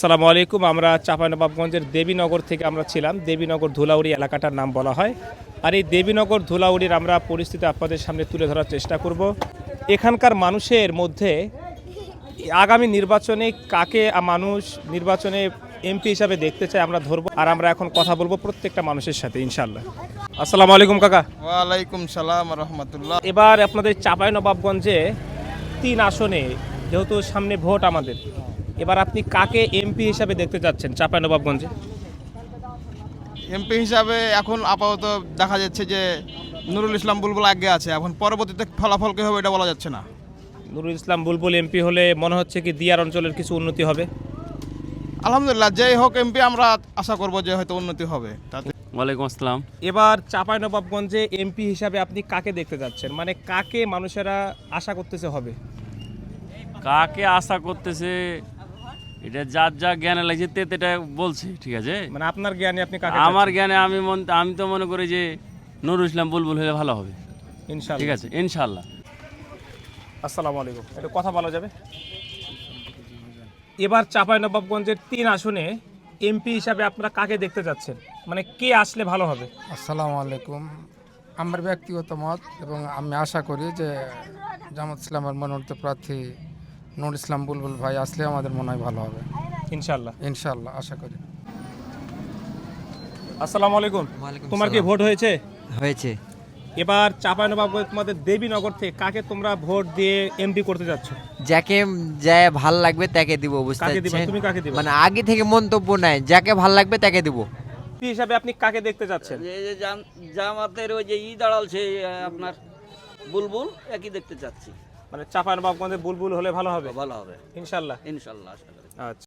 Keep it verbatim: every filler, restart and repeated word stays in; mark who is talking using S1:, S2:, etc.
S1: আসসালামু আলাইকুম। আমরা চাঁপাইনবাবগঞ্জের দেবীনগর থেকে আমরা ছিলাম। দেবীনগর ধুলাউড়ি এলাকাটার নাম বলা হয়। আর এই দেবীনগর ধুলাউড়ির আমরা পরিস্থিতি আপনাদের সামনে তুলে ধরার চেষ্টা করব। এখানকার মানুষের মধ্যে আগামী নির্বাচনে কাকে মানুষ নির্বাচনে এমপি হিসাবে দেখতে চায় আমরা ধরবো, আর আমরা এখন কথা বলবো প্রত্যেকটা মানুষের সাথে ইনশাল্লাহ। আসসালামু আলাইকুম কাকা।
S2: ওয়ালাইকুম সালাম রহমতুল্লাহ।
S1: এবার আপনাদের চাঁপাইনবাবগঞ্জে তিন আসনে যেহেতু সামনে ভোট আমাদের, এবার আপনি কাকে এমপি হিসাবে দেখতে চাচ্ছেন চাঁপাইনবাবগঞ্জে?
S2: এমপি হিসাবে এখন আপাতত দেখা যাচ্ছে যে নুরুল ইসলাম বুলবুল আগে আছে, এখন পরবর্তীতে ফলাফল কী হবে এটা বলা যাচ্ছে না।
S1: নুরুল ইসলাম বুলবুল এমপি হলে মনে হচ্ছে কি দিয়ার অঞ্চলের কিছু উন্নতি হবে?
S2: আলহামদুলিল্লাহ, যেই হোক এমপি আমরা আশা করব যে হয়তো উন্নতি হবে তাতে।
S3: ওয়ালাইকুম আসসালাম।
S1: এবার চাঁপাইনবাবগঞ্জে এমপি হিসাবে আপনি কাকে দেখতে যাচ্ছেন, মানে কাকে মানুষেরা আশা করতেছে হবে?
S3: কাকে আশা করতেছে এটা যার যা জ্ঞানে লাগছে তে এটা বলছে, ঠিক আছে।
S1: মানে আপনার জ্ঞানে আপনি কাকে
S3: আমার
S1: চাচ্ছেন?
S3: জ্ঞানে আমি মন আমি তো মনে করি যে নুরুল ইসলাম বুলবুল হলে ভালো হবে,
S1: ইনশাআল্লাহ।
S3: ঠিক আছে ইনশাআল্লাহ।
S1: আসসালামু আলাইকুম, একটু কথা বলা যাবে? এবার চাঁপাইনবাবগঞ্জের তিন আসনে এমপি হিসাবে আপনারা কাকে দেখতে যাচ্ছেন, মানে কে আসলে ভালো হবে?
S4: আসসালামু আলাইকুম। আমার ব্যক্তিগত মত এবং আমি আশা করি যে জামাত ইসলামের মনোনীত প্রার্থী নুর ইসলাম বুলবুল ভাই আসলে আমাদের মনে হয় ভালো হবে
S1: ইনশাআল্লাহ।
S4: ইনশাআল্লাহ আশা করি।
S1: আসসালামু আলাইকুম।
S5: ওয়ালাইকুম
S1: তোমার কি
S5: সালাম।
S1: ভোট হয়েছে?
S5: হয়েছে।
S1: এবার চাঁপাইনবাবগঞ্জ তোমাদের দেবীনগর থেকে কাকে তোমরা ভোট দিয়ে এমপি করতে যাচ্ছ?
S5: যাকে যায় ভাল লাগবে তাকে দিব, বুঝতে
S1: কাকে দিবা?
S5: পারছেন?
S1: তুমি কাকে দিবা?
S5: মানে আগে থেকে মন্তব্য নাই, যাকে ভাল লাগবে তাকে দিব।
S1: এমপি হিসাবে আপনি কাকে দেখতে যাচ্ছেন?
S6: এই যে জাম- জামাতের ওই যে ই দাঁড়ালছে আপনার বুলবুল একই দেখতে চাচ্ছি।
S1: মানে চাঁপাইনবাবগঞ্জে বুলবুল হলে ভালো হবে
S6: ভালো হবে
S1: ইনশাআল্লাহ।
S6: ইনশাল্লাহ আশা করি।
S1: আচ্ছা।